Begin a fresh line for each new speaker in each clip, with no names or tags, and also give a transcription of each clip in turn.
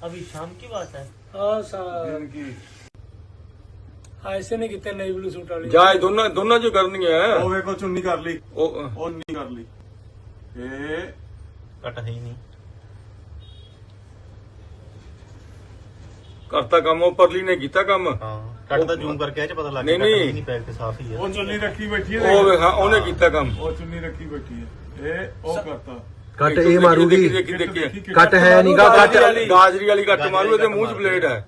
अभी शाम की बात है।
हाँ सर ऐसे नहीं कितने नई ब्लू सूट वाली
ਜਾਏ ਦੋਨਾਂ ਦੋਨਾਂ ਚ ਕਰਨੀ ਹੈ
ਉਹ ਵੇਖੋ ਚੁੰਨੀ ਕਰ ਲਈ,
ਉਹ
ਉਹ ਨਹੀਂ ਕਰ ਲਈ। ਇਹ
कट है ही नहीं।
ਕਰਤਾ ਕੰਮ ਉਹ ਪਰਲੀ ਨੇ ਕੀਤਾ ਕੰਮ
हाँ कट तो जूम करके आए पता लग
नहीं,
गया, कट
नहीं।
है ही नहीं, पैर के साफ ही है।
ਉਹ ਚੁੰਨੀ ਰੱਖੀ ਬੈਠੀ ਹੈ,
ਉਹ ਵੇ ਹਾਂ ਉਹਨੇ ਕੀਤਾ ਕੰਮ
ਉਹ ਚੁੰਨੀ ਰੱਖੀ ਬੈਠੀ ਹੈ। ਇਹ ਉਹ ਕਰਤਾ
ਕੱਟ ਇਹ ਮਾਰੂਗੀ।
ਦੇਖੀ ਦੇਖੀ
ਕੱਟ ਹੈ ਨੀਗਾ ਕੱਟ
ਗਾਜਰੀ ਵਾਲੀ ਕੱਟ ਮਾਰੂ ਇਹਦੇ ਮੂੰਹ 'ਚ ਬਲੇਡ ਹੈ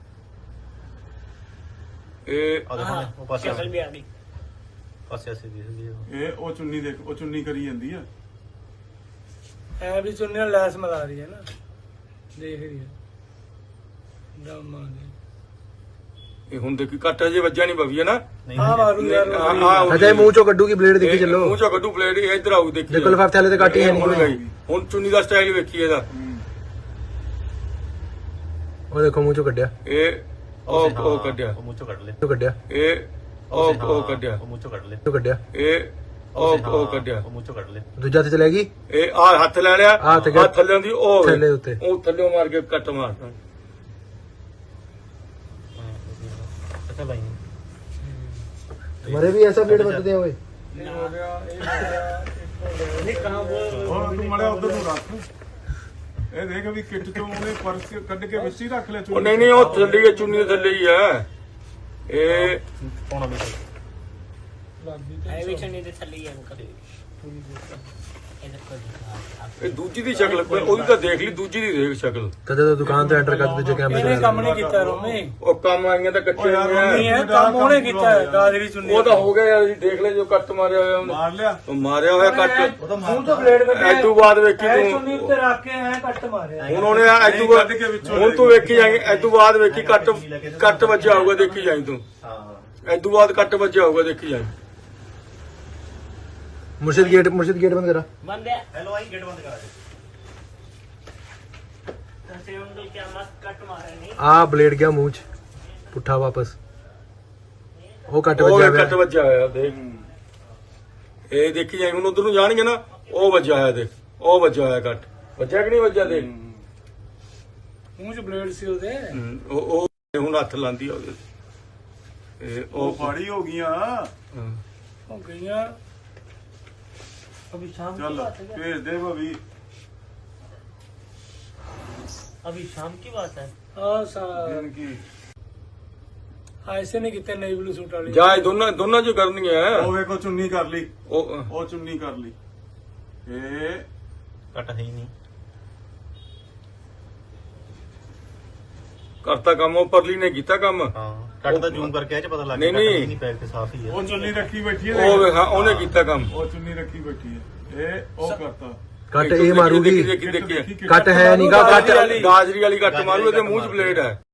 ਇਹ
और देखो ना, वो पास
शक्ल भी आ गई।
पास ऐसे दिख रही है।
ਇਹ ਉਹ ਚੁੰਨੀ ਦੇਖ, ਉਹ ਚੁੰਨੀ ਕਰੀ ਜਾਂਦੀ ਆ।
है भी चुन्नी और लैस मिला रही है ना, देख रही है दम आ गई।
ਇਹ ਹੁਣ ਦੇਖੀ ਕੱਟ ਅਜੇ ਵੱਜਿਆ ਨਹੀਂ ਭਵੀ ਹੈ ਨਾ
नहीं
हाँ मारू यार
ਅਜੇ ਮੂੰਹ ਚੋਂ ਕੱਢੂਗੀ ਬਲੇਡ ਦੇਖੀ ਚੱਲੋ।
ਮੂੰਹ 'ਚੋਂ ਕੱਢੂ ਬਲੇਡ ਇਹ ਇੱਧਰ ਆਊ ਦੇਖੀ
ਦੇਖੋ ਲਿਫਾਫੇ ਥੱਲੇ ਤੇ ਕੱਟ ਹੀ ਹੈ
ਹੁਣ
ਨਹੀਂ।
ਗਈ ਹੁਣ ਚੁੰਨੀ ਦਾ ਸਟਾਈਲ ਵੇਖੀ ਇਹਦਾ
ਉਹ ਦੇਖੋ ਮੂੰਹ ਚੋਂ ਕੱਢਿਆ
ਇਹ ਉਹ ਕੱਢਿਆ
वो मुँह चो कट ले।
ਉਹ ਕੱਢਿਆ
ਇਹ ਉਹ ਕੱਢਿਆ
वो मुँह चो कट ले।
ਉਹ ਕੱਢਿਆ
ਇਹ ਉਹ ਕੱਢਿਆ
वो मुँह चो कट ले।
ਦੂਜਾ ਤੇ ਚਲੇਗੀ
ਇਹ ਆ ਹੱਥ ਲੈ ਲਿਆ
ਆਹ ਹੱਥ ਗਿਆ।
ਆਹ ਥੱਲੇ ਦੀ ਉਹ
ਥੱਲੇ ਉੱਤੇ।
ਉਹ ਥੱਲੇ ਮਾਰ ਕੇ ਕੱਟ ਮਾਰਦਾ
अच्छा भाई
तुम्हारे भी ऐसा ब्लेड बदलते हैं ओए।
ये हो गया, एक हो गया, एक हो गया। नहीं कहाँ वो
ਹੁਣ ਤੂੰ ਮੜਿਆ ਉਧਰ ਨੂੰ ਰੱਖ। ਇਹ ਦੇਖ ਵੀ ਕਿੱਟ ਚੋਂ ਉਹਨੇ ਪਰਸ ਕੱਢ ਕੇ ਵਿੱਚ ਹੀ ਰੱਖ ਲਿਆ
ਉਹ ਨਹੀਂ ਨਹੀਂ ਉਹ ਥੱਲੇ ਹੀ ਚੁੰਨੀ ਦੇ ਥੱਲੇ ਹੀ ਹੈ ਇਹ
कौन अभी
है भी चुन्नी दे थल्ली है अंकल।
ਇਹ ਦੂਜੀ ਦੀ ਸ਼ਕਲ ਉਹਦੀ ਤਾਂ ਦੇਖ ਲਈ ਦੂਜੀ ਦੀ ਦੇਖ ਸ਼ਕਲ
तदे तो दुकान तो एंटर कर दीजिए कैमरे
ਇਹਨੇ
से
ਕੰਮ ਨਹੀਂ ਕੀਤਾ ਰੋਮੀ,
ਉਹ ਕੰਮ ਆਈਆਂ ਤਾਂ ਕੱਟੇ ਹੋਏ
ਨਹੀਂ
ਆ
ਹੈ ਕੰਮ ਉਹਨੇ ਕੀਤਾ ਹੈ ਗਾਜਰੀ ਚੁੰਨੀ।
ਉਹ ਤਾਂ ਹੋ ਗਿਆ ਯਾਰ ਜੀ ਦੇਖ ਲੈ ਜੋ ਕੱਟ ਮਾਰਿਆ ਹੋਇਆ ਉਹਨੇ
ਮਾਰ ਲਿਆ।
ਉਹ ਮਾਰਿਆ ਹੋਇਆ ਕੱਟ
ਮੂੰਹ ਤੋਂ ਬਲੇਡ ਕੱਢਿਆ।
ਐਦੂ ਬਾਅਦ ਵੇਖੀ
ਐ
ਤੂੰ
ਚੁੰਨੀ ਉੱਤੇ ਰੱਖ ਕੇ ਐ ਕੱਟ ਮਾਰਿਆ।
ਹੁਣ ਉਹਨੇ ਐਦੂ ਬਾਅਦ ਹੁਣ ਤੂੰ ਵੇਖੀ ਜਾਏਂਗੀ ਐਦੂ ਬਾਅਦ ਵੇਖੀ ਕੱਟ ਵੱਜਿਆ ਹੋਊਗਾ ਦੇਖੀ ਜਾਈਂ ਤੂੰ
हाँ
ਐਦੂ ਬਾਅਦ ਕੱਟ ਵੱਜਿਆ ਹੋਊਗਾ ਦੇਖੀ ਜਾਈਂ
मुर्शिद गेट बंद करा।
बंद है।
हेलो आई गेट बंद करा दे।
ऐसे अंकल क्या मस्त कट मारे नहीं।
आ ब्लेड गया मुंह च पुट्ठा वापस वो कट
ਉਹ
बजा
ਕੱਟ ਵੱਜਿਆ ਹੋਇਆ ਦੇਖ ਇਹ ਦੇਖੀ ਜਾਈਂ ਹੁਣ ਉਧਰ ਨੂੰ ਜਾਣਗੇ ਨਾ ਉਹ ਵੱਜਿਆ ਹੋਇਆ ਦੇਖ ਉਹ ਵੱਜਿਆ ਹੋਇਆ ਕੱਟ ਵੱਜਿਆ ਕਿ ਨਹੀਂ ਵੱਜਿਆ ਦੇਖ
ਮੂੰਹ 'ਚ ਬਲੇਡ ਸੀ ਉਹਦੇ।
ਉਹ ਹੁਣ ਹੱਥ ਲਾਂਦੀ ਆ ਉਹਦੇ ਇਹ
ਉਹ
ਉਹ
ਫਾੜੀ ਹੋ ਗਈਆਂ।
ਹਾਂ।
ਹੋ ਗਈਆਂ। अभी शाम की
ਚੱਲ
बात है क्या?
ਭੇਜ ਦੇ ਭਾਬੀ।
अभी शाम की बात है।
हाँ सर
ਦਿਨ ਕੀ
ऐसे नहीं कितने नई ब्लू सूट वाली
ਜਾਏ ਦੋਨਾਂ ਚ ਕਰਨੀ ਹੈ
ਉਹ ਵੇਖੋ ਚੁੰਨੀ ਕਰ ਲਈ,
ਉਹ
ਉਹ ਚੁੰਨੀ ਕਰ ਲਈ। ਇਹ
कट है ही नहीं।
ਕਰਤਾ ਕੰਮ ਉਹ ਪਰਲੀ ਨੇ ਕੀਤਾ ਕੰਮ
हाँ कट तो जूम करके आए पता लग
नहीं,
गया, कट है
नहीं।
ही नहीं, पैर के साफ ही है।
ਉਹ ਚੁੰਨੀ ਰੱਖੀ ਬੈਠੀ ਹੈ।
ਉਹ ਵੇ ਹਾਂ ਉਹਨੇ ਕੀਤਾ ਕੰਮ
ਉਹ ਚੁੰਨੀ ਰੱਖੀ ਬੈਠੀ ਹੈ। ਇਹ ਉਹ ਕਰਤਾ।
कट ये मारूगी।
ਦੇਖੀ
कट है नीगा
ਗਾਜਰੀ
कट
ਵਾਲੀ ਗਾਜਰੀ ਵਾਲੀ ਕੱਟ ਮਾਰੂ ਇਹਦੇ ਮੂੰਹ 'ਚ ਬਲੇਡ ਹੈ